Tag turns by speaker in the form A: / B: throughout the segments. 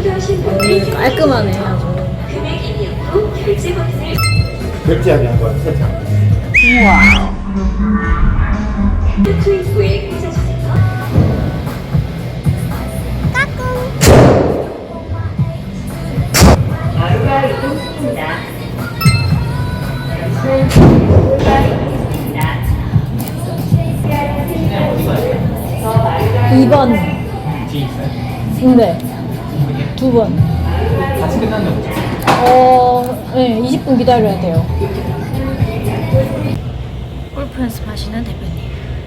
A: 깔끔하네 아주.
B: 결제하게 한 거야, 세장.
A: 우와.
C: 하루가 있습니다.
A: 2번.
D: 뒤에 있어요?
A: 네. 2번.
D: 같이 끝났나 보죠?
A: 네, 20분 기다려야 돼요. 골프 연습하시는 대표님.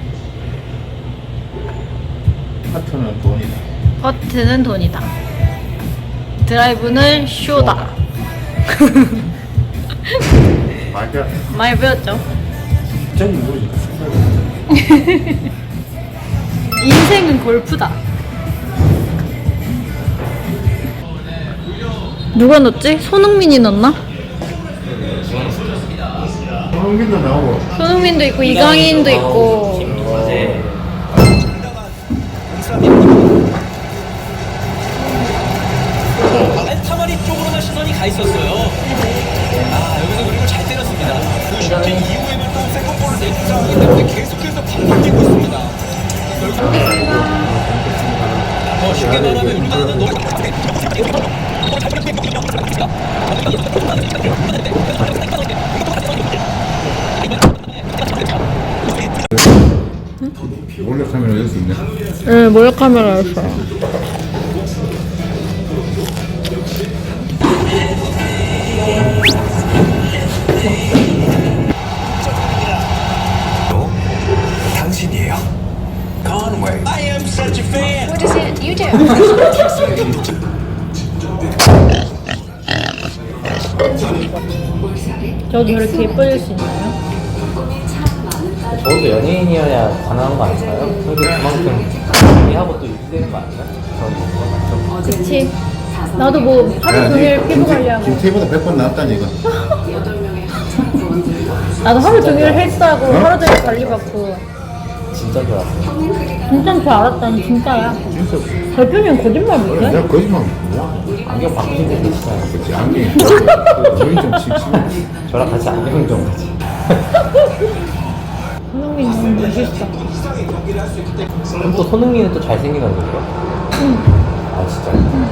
B: 파트는 돈이다.
A: 퍼트는 돈이다. 드라이브는 쇼다.
B: 맞아.
A: 많이 배웠죠?
B: 저기 모르니까.
A: 인생은 골프다. 누가 넣었지? 손흥민이 넣었나?
B: 손흥민도 나오고.
A: 손흥민도 있고 이강인도 있고.
E: 타마리 쪽으로만 시선이 가 있었어요. 아, 여기서 그리고 잘 때렸습니다. 그 슈팅 이후에만 또 세컨볼을 내준 상황이기 때문에 계속해서 반복되고 있습니다. 더 쉽게 말하면 우리나라는 너무
B: 몰래 카메라 여기 있네.
A: 네, 몰래 카메라였어요.
E: 당신이에요. Conway. I am such a fan.
F: What is it you do?
A: 저도 이렇게 예뻐질 수 있나요?
D: 저도 연예인이어야 가능한 거 아닐까요? 그래도 그만큼 이하고 또 유지되는 거 아닌가요? 저는 맞죠?
A: 그치. 나도 뭐 하루 종일 피부 관리하고.
B: 김태희보다 100번 낫다니 이거.
A: 나도 하루 종일 헬스하고 하루 종일 관리받고.
D: 진짜 줄 알았어요.
A: 진짜인 줄 알았다니 진짜야.
B: 진짜.
A: 대표님 거짓말 못해?
B: 내가 거짓말 뭐야?
D: 안경 바꾸신 분 계시잖아요.
B: 그치, 안경이. 눈이 좀 칙칙해.
D: 저랑 같이 안경 좀 같이.
A: 손흥민 너무 멋있어.
D: 그럼 또 손흥민은 또 잘생긴 얼굴이요?
A: 응.
D: 아 진짜요?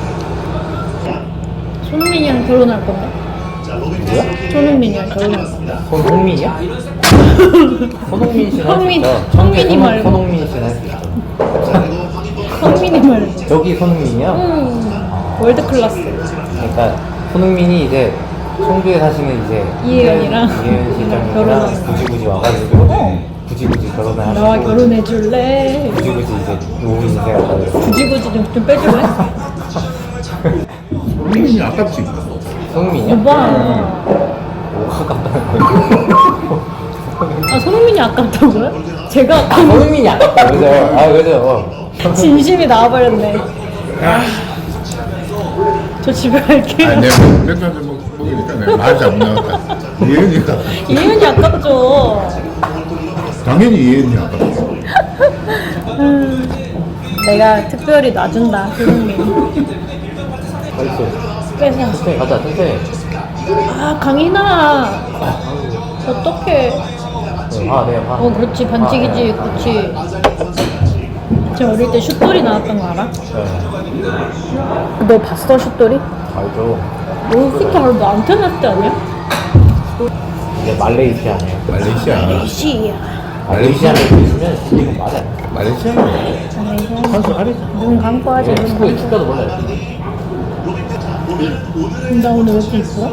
A: 손흥민이랑 결혼할 건데?
D: 누구야?
A: 손흥민이랑 결혼할 건데?
D: 손흥민이야? 손흥민 씨는 할수
A: 성민,
D: 있죠.
A: 성민이 말고.
D: 손흥민 씨는 할 수 있죠.
A: 성민이 말이지.
D: 저기 손흥민이요?
A: 월드 클래스.
D: 그러니까 손흥민이 이제 청주에 사시는 이제
A: 이혜연이랑
D: 이혜연 실장님이랑
A: 결혼하는
D: 굳이 와가지고 굳이 결혼을 하시고
A: 나와 결혼해 줄래?
D: 굳이 이제 노후 인생을 가지고
A: 굳이 좀 빼줄래?
B: 손흥민이 아깝지.
D: 손흥민이요?
A: 오빠.
D: 뭐가 아깝다는 거예요?
A: 아 손흥민이 아깝다고요? 제가 아까운
D: 손흥민이 아깝다 그죠? 아 그죠?
A: 진심이 나와버렸네. 저 집에 갈게요.
B: 아니, 내가 맥주 한잔 먹으니까 내가 말이 안 나왔다. 이혜연이가.
A: 이윤이 아깝죠.
B: 당연히 이혜연이 아깝지.
A: 내가 특별히 놔준다 손흥민.
D: 어딨어?
A: 빼서.
D: 천천히 가자 천천히.
A: 아 강인아. 어떡해.
D: 네, 봐.
A: 그렇지 반칙이지. 그렇지. 제가 어릴 때 슛돌이 나왔던 거 알아?
D: 네.
A: 너 봤어 슛돌이?
D: 알죠.
A: 너 슛돌 너 안테나 때 아니야?
D: 이제 말레이시아네요.
B: 말레이시아.
A: 시야.
D: 말레이시아에 있으면 이거 맞아요.
B: 말레이시아네. 선수 아니지.
A: 눈 감고 하지. 눈
D: 축구
A: 감고.
D: 축구도 몰라요.
A: 나 오늘 왜 이렇게 이뻐?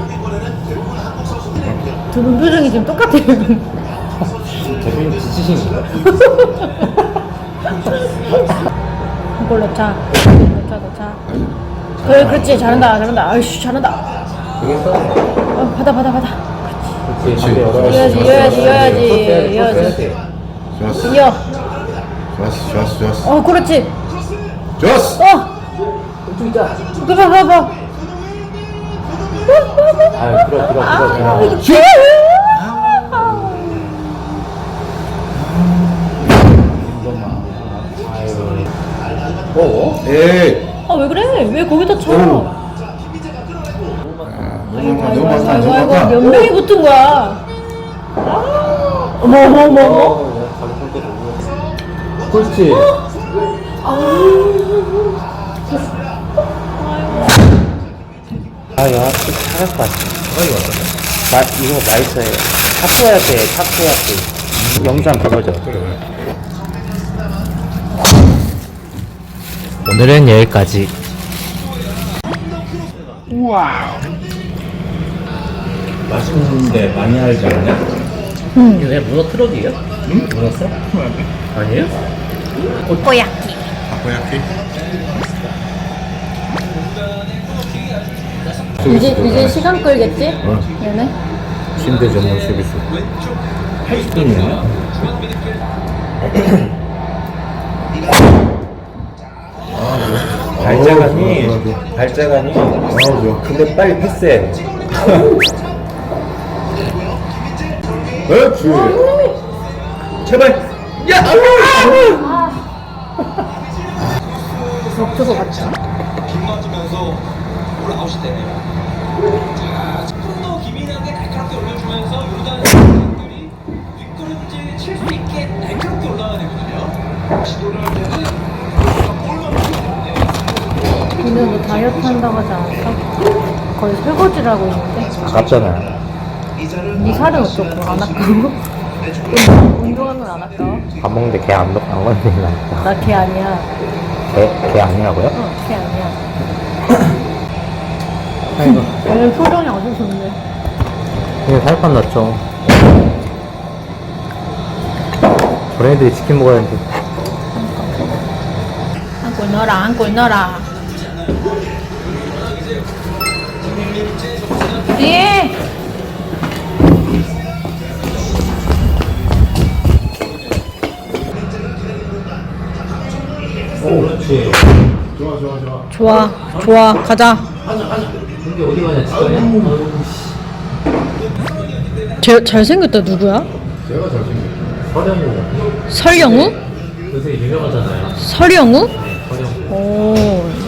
A: 두 분 표정이 지금 똑같아요.
D: 대표님 지치신 거예요?
A: 이걸 넣자. 넣자. 그렇지. 잘한다. 아이씨, 잘한다.
D: 되겠어?
A: 받아.
D: 그렇지.
B: 그렇지.
A: 이어야지.
B: 좋았어.
A: 이어.
B: 좋았어.
A: 그렇지.
B: 좋았어.
D: 왼쪽이자.
A: 봐봐.
D: 아유, 들어.
A: 이게
D: 아유. 뭐?
B: 에이.
A: 아 왜 그래? 왜 거기다 쳐? 아이고 아이고 아이고 아이고 아이고 몇 명이 붙은 거야? 어머 어머 어머 어머.
D: 그렇지. 아, 야, 잘할 것 같아. 이거 맛있어요. 타코야끼. 영상 그거죠. 오늘은 여기까지.
A: 우와.
D: 맛있는데 많이 알지 않냐? 이거 왜 문어 트럭이에요? 응? 문어 트럭? 아니에요?
A: 오코야끼.
B: 타코야키?
A: 이제 시간 끌겠지? 얘네?
D: 침대 전문 서비스. 80분이야? 발자간이. 근데 빨리 패스해.
B: 그렇지.
D: 제발. 야!
A: 없어서 같죠.
E: 빗 맞으면서 볼 아웃이 되네요. 자, 조금 기민하게 날카롭게 올려주면서 요단 선수들이 뒷걸음질 칠 수 있게 날카롭게 올라가야 되거든요. 시도를 할 때는 볼만 보면
A: 근데 너 다이어트 한다고 하지 않았어? 거의 설거지를 하고 있는데?
D: 아깝잖아.
A: 네 살은 어쩌고 안 아까워? 운동하면 안 아까워?
D: 밥 먹는데 개 안 건드리는 거.
A: 나 걔 아니야.
D: 개 아니라고요?
A: 걔 아니야.
D: 아이고.
A: 얘는 표정이 아주 좋네.
D: 이거 살판 났죠. 저런 애들이 치킨 먹어야 하는데.
A: 안고 넣어라, 안고 넣어라. 예!
D: 오, 그렇지.
A: 좋아, 좋아, 가자.
D: 근데 어디 가냐, 진짜.
A: 잘생겼다, 누구야?
B: 제가 잘생겼어.
D: 서령우.
A: 설영우?
D: 요새 유명하잖아요.
A: 설영우?
D: 서령우.
A: 오,